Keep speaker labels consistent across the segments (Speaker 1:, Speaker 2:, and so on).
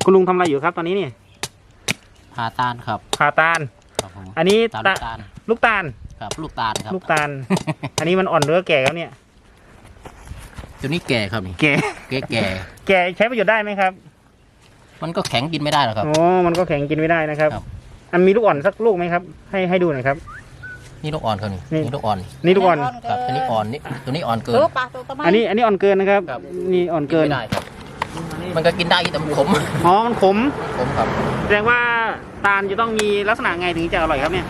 Speaker 1: คุณลุงทำอะไรอยู่ครับตอนนี้นี่
Speaker 2: ผ่าตาลครับ
Speaker 1: ผ่าตาลอันนี้ลูกตาล
Speaker 2: ครับลูกตาลครับ
Speaker 1: ลูกตาล อันนี้มันอ่อนหรือแก่ครับเนี่ย
Speaker 2: ตัวนี้แก่ครับนี่
Speaker 1: แก่ใช้ประโยชน์ได้ไหมครับ
Speaker 2: มันก็แข็งกินไม่ได้หรอกครับ
Speaker 1: อ๋อมันก็แข็งกินไม่ได้นะครับอันมีลูกอ่อนสักลูกไหมครับให้ดูหน่อยครับ
Speaker 2: นี่ลูกอ่อนครับนี่ลูกอ่อน
Speaker 1: นี่ลูกอ่อน
Speaker 2: ครับอันนี้อ่อนนี่ตัวนี้อ่อนเกิน
Speaker 1: อันนี้อ่อนเกินนะครับนี่อ่อนเกิน
Speaker 2: ไม่ได้ครับมันก็กินได้แต่มันขม
Speaker 1: อ๋อมันขม
Speaker 2: ครับ
Speaker 1: แสดงว่าตาลจะต้องมีลักษณะไงถึงจะอร่อยครับเนี่ย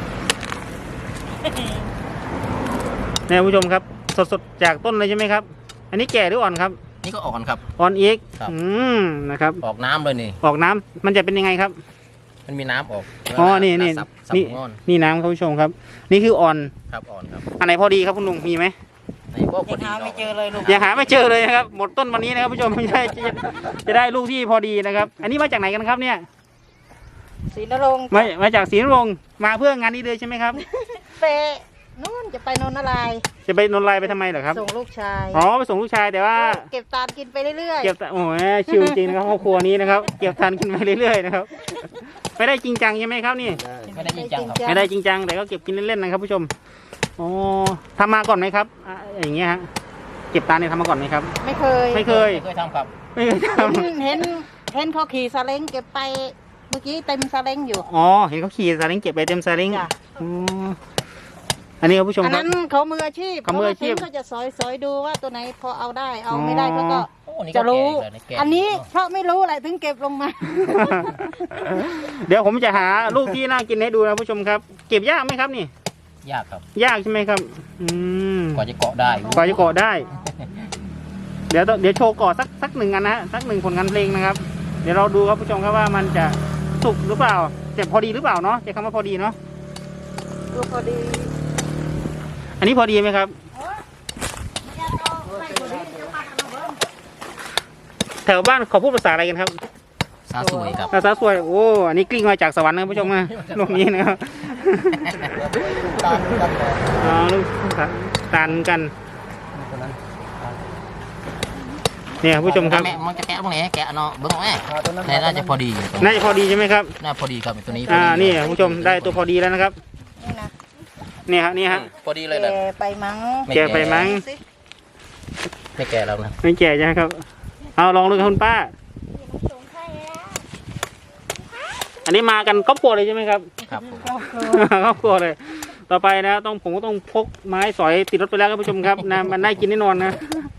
Speaker 1: ผู้ชมครับสดจากต้นเลยใช่ไหมครับอันนี้แก่หรืออ่อนครับ
Speaker 2: นี่ก็อ่อนครับ
Speaker 1: อ่อนอีกนะครับ
Speaker 2: ออกน้ำเลยนี่
Speaker 1: ออกน้ำมันจะเป็นยังไงครับ
Speaker 2: มันมีน้ำออก
Speaker 1: อ๋อนี่น้ำครับผู้ชมครับนี่คืออ่อน
Speaker 2: ครับอ่อนครับ
Speaker 1: อันไหนพอดีครับคุณลุงมีไหม
Speaker 2: ยังหาไม่เจอเลยลูก
Speaker 1: ยังหาไม่เจอเลยนะครับหมดต้นวันนี้นะครับผู้ชมไม่ใช่จะได้ลูกที่พอดีนะครับอันนี้มาจากไหนกันครับเนี่ย
Speaker 3: ศรีนรงค์
Speaker 1: มาจากศรีนรงค์มาเพื่องานนี้เลยใช่ไหมครับ
Speaker 3: ไปนู่นจะไปนนทลาย
Speaker 1: จะไปนนทลายไปทำไมเหรอครับ
Speaker 3: ส่งลูกชาย
Speaker 1: อ๋อไปส่งลูกชายแต่ว่า
Speaker 3: เก็บตาลกินไปเรื่อย
Speaker 1: ๆเก็บโอ้โหชิวจริงนะครับครอบครัวนี้นะครับเก็บตาลกินไปเรื่อยๆนะครับไม่ได้จริงจังใช่ไหมครับนี่
Speaker 2: ไม่ได้จริงจัง
Speaker 1: ไม่ได้จริงจังแต่ก็เก็บกินเล่นๆนะครับผู้ชมอ๋อทำมาก่อนไหมครับอย่างเงี้ยฮะเก็บตาลเนี่ยทำมาก่อนไหมครับ
Speaker 3: ไม่เคย
Speaker 2: ทำครับ
Speaker 1: ไม่เคยท
Speaker 3: ำเห็นเขาขี่ซาเล้งเก็บไปเมื่อกี้เต็มซาเล้งอยู่
Speaker 1: อ๋อเห็นเขาขี่ซาเล้งเก็บไปเต็มซาเล้งอันนี้ครับผู้ชมครับอัน
Speaker 3: นั้นเขามืออาชีพเขาจะซอยดูว่าตัวไหนพอเอาได้เอาไม่ได้เขาก็จะรู้อันนี้เพราะไม่รู้อะไรถึงเก็บลงมา
Speaker 1: เดี๋ยวผมจะหาลูกที่น่ากินให้ดูนะผู้ชมครับเก็บยากไหมครับนี่
Speaker 2: ยากครับ
Speaker 1: ยากใช่ไหมครับ
Speaker 2: กว่าจะเกาะได้
Speaker 1: เดี๋ยวโชว์เกาะสักหนึ่งอันนะสักหนึ่งผลงานเพลงนะครับเดี๋ยวเราดูครับผู้ชมครับว่ามันจะสุกหรือเปล่าจะพอดีหรือเปล่าเนาะจะคำว่าพอดีเนาะ
Speaker 3: พอดี
Speaker 1: อันนี้พอดีไหมครับแถวบ้านเขาพูดภาษาอะไรกันครับ
Speaker 2: ซาสวยครับ
Speaker 1: ซาสวยโอ้อันนี้กลิ้งมาจากสวรรค์นะผู้ชมนะลูกนี้นะครับลูกตาลกันเนี่ยผู้ชมครับ
Speaker 2: มันจะแกะตรงไหนแกะเนาะเบิ้งแม่น่าจะพอดี
Speaker 1: ใช่ไหมครับ
Speaker 2: น่าพอดีครับตัวนี้
Speaker 1: นี่ผู้ชมได้ตัวพอดีแล้วนะครับนี่ฮะ
Speaker 2: พอดีเลยแหละ
Speaker 3: แกไปมั้ง
Speaker 2: ไม่แก่แล้วนะ
Speaker 1: ไม่แก่ใช่ไหมครับเอาลองดูคุณป้าอันนี้มากันครอบครัวเลยใช่ไหมครับ
Speaker 2: ครับ
Speaker 1: ครอบครัวเลยต่อไปนะผมก็ต้องพกไม้สอยติดรถไปแล้วครับผู้ชมครับนะมันได้กินแน่นอนนะ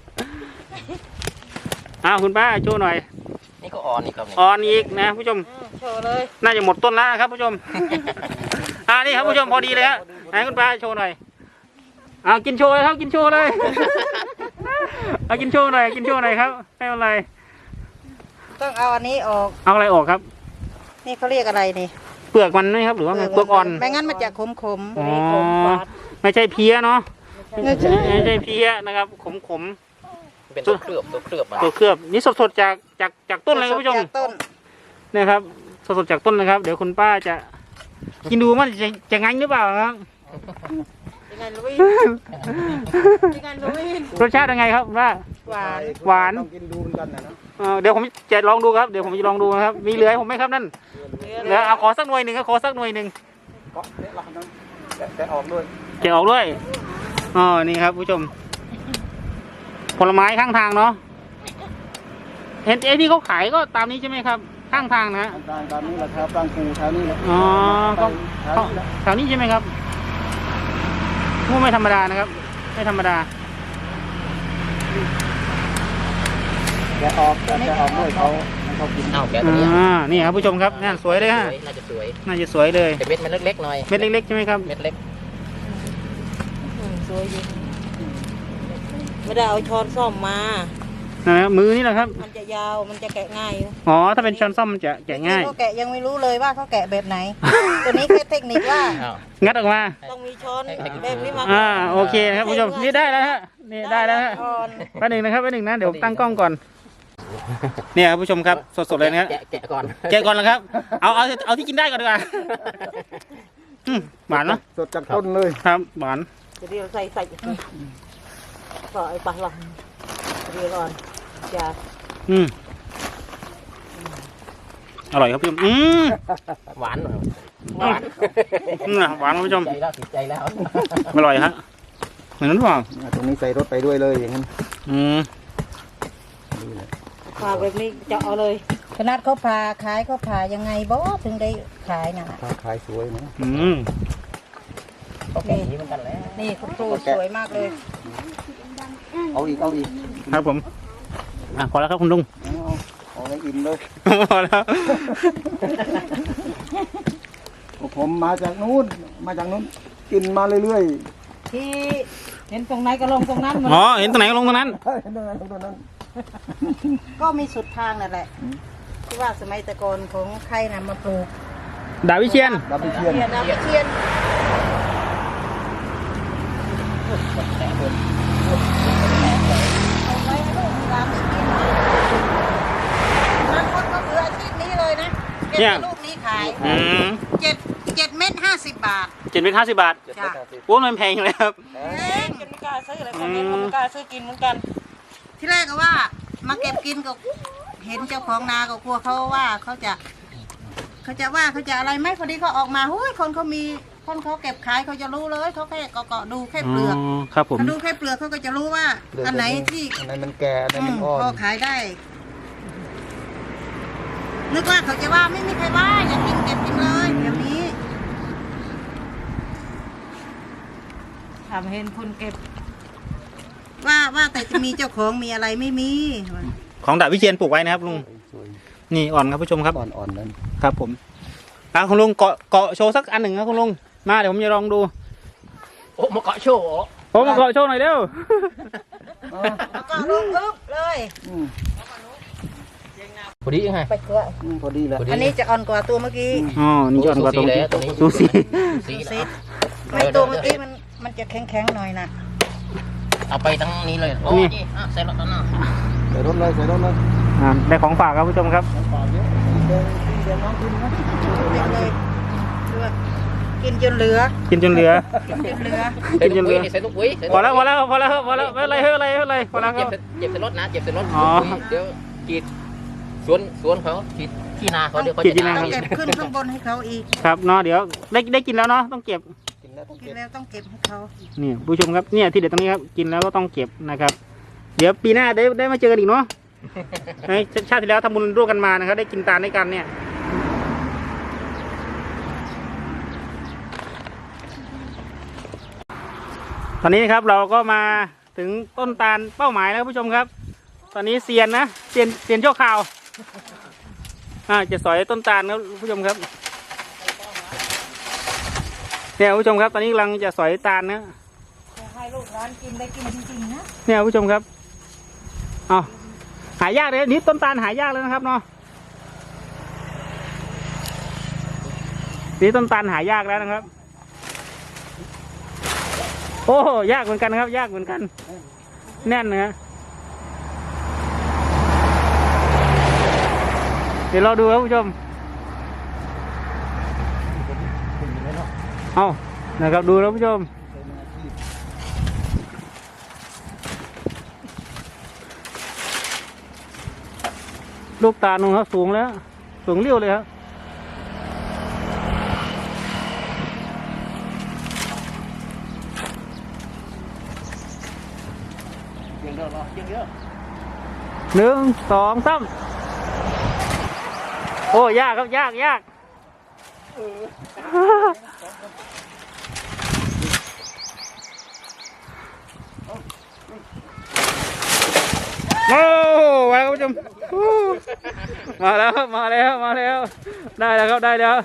Speaker 1: คุณป้าโชว์หน่อย
Speaker 2: นี่ก็อ่อนอีกครับ
Speaker 1: อ่อนอีกนะผู้ชม
Speaker 3: โชว์เลย
Speaker 1: น่าจะหมดต้นแล้วครับผู้ชมนี่ครับผู้ชมพอดีเลยฮะให้คุณป้าโชว์หน่อยกินโชว์เลยครับกินโชว์เลยกินโชว์หน่อยครับให้อะไร
Speaker 3: ต้องเอาอันนี้ออก
Speaker 1: เอาอะไรออกครับ
Speaker 3: นี่เขาเรียกอะไรนี่
Speaker 1: เปลือกมันไหมครับหรือว่าไงเปลือกอ่อน
Speaker 3: ไม่งั้นมันจะขม
Speaker 1: ไม่ใช่เพี้ยเนาะไม่ใช่เพี้ยนะครับขม
Speaker 2: เป็นตัวเค
Speaker 1: ลือบนี่สดจากต้นเลยครับผู้ชมนะครับสดจากต้นนะครับเดี๋ยวคุณป้าจะกินดูมันจะงั้นหรือเปล่าครับรสชาติยังไงครับว่าหวาน
Speaker 3: กินดูกันนะ
Speaker 1: เดี๋ยวผมจะลองดูครับเดี๋ยวผมจะลองดูนะครับมีเหลือผมไหมครับนั่นเหลือเอาขอสักหน่วยหนึ่ง
Speaker 3: แกะออกด้วย
Speaker 1: นี่ครับผู้ชมผลไม้ข้างทางเนาะเห็นที่เขาขายก็ตามนี้ใช่ไหมครับข้างทางนะ
Speaker 3: ตามนี้แหละครับตามกูแถวนี้แหละ
Speaker 1: แถวนี้ใช่ไหมครับไม่ธรรมดานะครับไม่ธรรมดา
Speaker 3: แกะออกด้วยเขากิน
Speaker 2: แกะตัวนี้
Speaker 1: นี่ครับผู้ชมครับน่าสวยเลยฮะ
Speaker 2: น่าจะส
Speaker 1: วยเลย
Speaker 2: เม็ดมันเล็กๆหน่อย
Speaker 1: เม็ดเล็กๆใช่ไหมครับ
Speaker 2: เม็ดเล็ก
Speaker 3: สวยดีไม่ได้เอาช้อนซ่อมมา
Speaker 1: มือนี่แหละครับ
Speaker 3: มันจะยาวมันจะแกะง่าย
Speaker 1: ถ้าเป็นช้อนซ่อมมันจะแกะง่าย
Speaker 3: เขาแกะยังไม่รู้เลยว่าเขาแกะแบบไหนตัวนี้แค่เทคนิคว่า
Speaker 1: งัดออกมา
Speaker 3: ต้องมีช้อนแบบนี้มา
Speaker 1: โอเคครับผู้ชมนี่ได้แล้วฮะนี่ได้แล้วฮะแป๊บนึงนะครับนะเดี๋ยวตั้งกล้องก่อนเนี่ยครับผู้ชมครับสดๆเลยนะ
Speaker 2: แกะก่อน
Speaker 1: แล้วครับเอาที่กินได้ก่อนดีกว่าหวานเนาะ
Speaker 3: สดจากต้นเลย
Speaker 1: ครับหวาน
Speaker 3: เดี๋ยวใส่ใส่ปลาหลอดเดี๋ยวก่อนจะ
Speaker 1: อร่อยครับพี่ชม
Speaker 2: หวานหน่อยหวาน
Speaker 1: หวานครับพี่ชม
Speaker 2: ใจแล้วติดใจแล้ว
Speaker 1: อร่อยฮะเหมือนนั้นเปล่า
Speaker 4: ตรงนี้ใส่รถไปด้วยเลยอย่างนั้น
Speaker 3: ปลาแบบนี้จะเอาเลยขนาดเขาผ่าขายเขาผ่ายังไงบ่ถึงได้ขายน่ะ
Speaker 4: ขายสวยนะ
Speaker 2: ก็แก่นี้เหมือนกันแล้ว
Speaker 3: นี่คุณครูสวยมากเลย
Speaker 4: เอาอีก
Speaker 1: ครับผมพอแล้วครับคุณลุง
Speaker 4: เอาให้อิ่มเลย
Speaker 1: พอแล้ว
Speaker 4: ผมมาจากนู้นกินมาเรื่อย
Speaker 3: ที่เห็นตรงไหนก็ลงตรงนั้นหมด
Speaker 1: อ๋อเห็นตรงไหนก็ลงตรงนั้น
Speaker 4: ๆตรงนั้น
Speaker 3: ก็มีสุดทางนั่นแหละที่ว่าสมัยแตะกอนของใครน่ะมาปลูก
Speaker 1: ดาวิเชียน
Speaker 4: ดับเบิลเทียน
Speaker 3: ดาวเทียนเอาไว้ให้ลูกหลานได้กินบางคนก็เหลืออาชีพนี้เลยนะเก็บแต่ลูกนี้ขาย7 เม็ด50 บาท
Speaker 1: 750 บาท
Speaker 3: จ้ะ
Speaker 1: โอ้มันแพงเลยครับ
Speaker 3: จะไม่กล้าซื้ออะไรคนนี้ก็ไม่กล้าซื้อกินเหมือนกัน ที่แรกก็ว่ามาเก็บกินก็เห็นเจ้าของนาก็กลัวเขาว่าเขาจะอะไรไหมพอดีเขาออกมาหุ้ยคนเขาเก็บขายเขาจะรู้เลยเขาแค่เกาะดูแค่เปลือก
Speaker 1: ครับผม
Speaker 3: เขาดูแค่เปลือกเขาก็จะรู้ว่าอันไหนที่
Speaker 4: อันไหนมันแก่อันไหนมันอ่อน
Speaker 3: พอขายได้ นึกว่าเขาจะว่าไม่มีใครว่าอยากกินเก็บกินเลยเดี๋ยวนี้ทำเห็นคนเก็บ ว่าแต่จะมีเจ้าของมีอะไรไม่มี
Speaker 1: ของดาวิเชียนปลูกไว้นะครับลุง
Speaker 4: สวย
Speaker 1: นี่อ่อนครับผู้ชมครับ
Speaker 4: อ่อนๆนั้น
Speaker 1: ครับผมคุณลุงเกาะโชว์สักอันหนึ่งครับคุณลุงมาเดี๋ยวผมจะลองดู
Speaker 2: โอ้มาเกาะโชว์เหรอ
Speaker 1: ผมมาเกาะโชว์หน่อยเร็ว
Speaker 3: แล้วก็ลงอึ๊บเลย
Speaker 2: พอดียังไง
Speaker 3: ไปเกลือ
Speaker 4: พอดีแล้ว
Speaker 3: อันนี้จะอ่อนกว่าตัวเมื่อกี้
Speaker 1: อ๋อนี่จะอ่อนกว่าตรง
Speaker 2: ตัวนี้
Speaker 1: ซูซี
Speaker 2: สี
Speaker 3: ซิไม่ตัวเมื่อกี้มันจะแข็งๆหน่อยนะ
Speaker 2: เอาไปทั้งนี้เลยโอ้ยใส่รถแล้วนะ
Speaker 4: ใส่รถเลย
Speaker 1: ได้ของฝากครับผู้ชมครับ
Speaker 4: ฝากเยอะเดี๋ยวน้องกินนะ
Speaker 3: เต็มเลยด้วยกินจนเหลือ
Speaker 1: กินจนเหลือ
Speaker 3: กินจนเหลือ
Speaker 1: กินจนเหลือ
Speaker 2: ใส่ลูกปุ๋ย
Speaker 1: พอแล้วไม่เป็นไรไม่เป็นไรพอแล้วค
Speaker 2: เจ็
Speaker 1: รั
Speaker 2: บบ เจ็บใส่รถนะเจ็บใส่รถ
Speaker 1: อ๋อ
Speaker 2: เดี๋ยวกีดสวนเขากีดที่นาเขาเดี๋ยวเขา
Speaker 1: กีดที่
Speaker 2: จะ
Speaker 1: นา
Speaker 3: ต้องเก็บขึ้นข้างบนให้เขาอีก
Speaker 1: ครับเนาะเดี๋ยวได้กินแล้วเนาะต้องเก็บ
Speaker 4: กินแล้วต้อง
Speaker 3: กิ
Speaker 4: เก็
Speaker 3: น
Speaker 4: บ
Speaker 3: แล้วต้องเก็บให้เขา
Speaker 1: นี่ผู้ชมครับเนี่ยที่เด็ดตรงนี้ครับกินแล้วก็ต้องเก็บนะครับ เดี๋ยวปีหน้าได้มาเจอกันอีกเนาะในชาติที่แล้วทำบุญร่วมกันมานะครับได้กินตาลด้วยกันเนี่ยตอนนี้ครับเราก็มาถึงต้นตาลเป้าหมายแล้วผู้ชมครับ ตอนนี้เซียนนะเซียนชั่วคราวจะสอยต้นตาลครับผู้ชมครับเนี่ยผู้ชมครับตอนนี้กำลังจะสอยตาลนะ
Speaker 3: ให้ลูกร้านกินได้กินจริงๆนะ
Speaker 1: เนี่ยผู้ชมครับเอาหายากเลยนี่ต้นตาลหายากเลยนะครับเนาะนี่ต้นตาลหายากแล้วนะครับโอ้ยากเหมือนกันครับยากเหมือนกันแน่นนะเดี๋ยวเราดูครับผู้ชมเอานะครับดูแล้วผู้ชมลูกตาลของเขาสูงแล้วสูงเรี่ยวเลยครับ1 2 3โอ้ยากครับยากโอ้มาแล้วผู้ชมมาแล้วได้แล้วครับได้แล้ว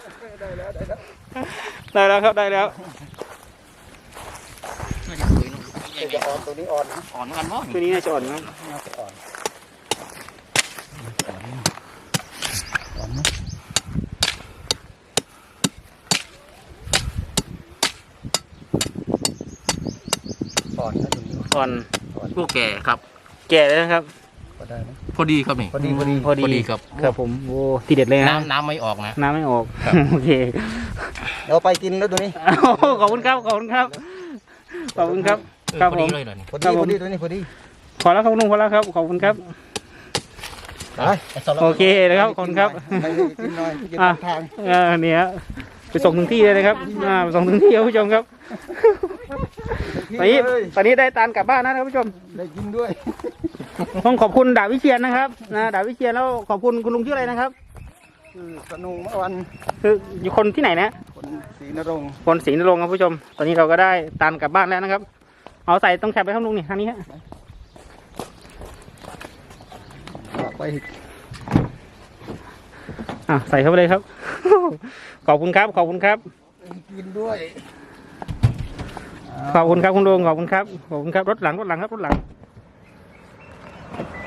Speaker 1: ครับได้แล้ว
Speaker 4: จะอ่อนตัวนี้อ่อนนะ
Speaker 2: อ่อนเหมือนกันมั้ง
Speaker 1: ตัวนี้น่าจะอ่อนครับ
Speaker 4: น่าจะอ่อนอ่อนนะตัวนี้
Speaker 1: อ่อน
Speaker 2: ลูกแก่ครับ
Speaker 1: แก่เลยนะครับ
Speaker 4: ก็ได้นะ
Speaker 2: พอดีครับนี่
Speaker 4: พอดี
Speaker 1: พอดี
Speaker 2: ครับ
Speaker 1: ครับผมโอ้ทีเด็ดเลยนะ
Speaker 2: น้ำไม่ออกนะ
Speaker 1: น้ำไม่ออกโอเค
Speaker 4: เราไปกินแล้วตัวนี้
Speaker 1: ขอบคุณครับครับครับ
Speaker 2: พอ
Speaker 1: ผ
Speaker 2: ดี
Speaker 1: ม
Speaker 2: เลยเหรอนี่
Speaker 4: พอดีตัวนี้พอดี
Speaker 1: ขอแล้วครับลุงขอแล้วครับขอบคุณครับโอเคนะครับขอบคุณครับ
Speaker 4: ไปกินหน่อยกิน
Speaker 1: อ่ะ
Speaker 4: ทาง
Speaker 1: เนี่ยไปส่งถึงที่เลยนะครับไปส่งถึงที่ครับผู้ชมครับตอนนี้ได้ตาลกลับบ้านนะครับผู้ชม
Speaker 4: ได้กินด้วย
Speaker 1: ต้องขอบคุณดาบวิเชียนนะครับดาบวิเชียนแล้วขอบคุณคุณลุงชื่ออะไรนะครับ
Speaker 4: สนุงเมื่อวัน
Speaker 1: คืออยู่คนที่ไหนนะ
Speaker 4: คนศรีนรงค์
Speaker 1: คนศรีนรงค์ครับผู้ชม ตอนนี้เราก็ได้ตาลกลับบ้านแล้วนะครับ เอาใส่ต้องแคบไปครับลุงนี่ทางนี้ฮะ
Speaker 4: ไป
Speaker 1: ใส่เข้าไปเลยครับ ขอบคุณครับขอบคุณครับ
Speaker 4: กินด้วย
Speaker 1: ขอบคุณครับคุณลุงขอบคุณครับขอบคุณครับรถหลังครับรถหลัง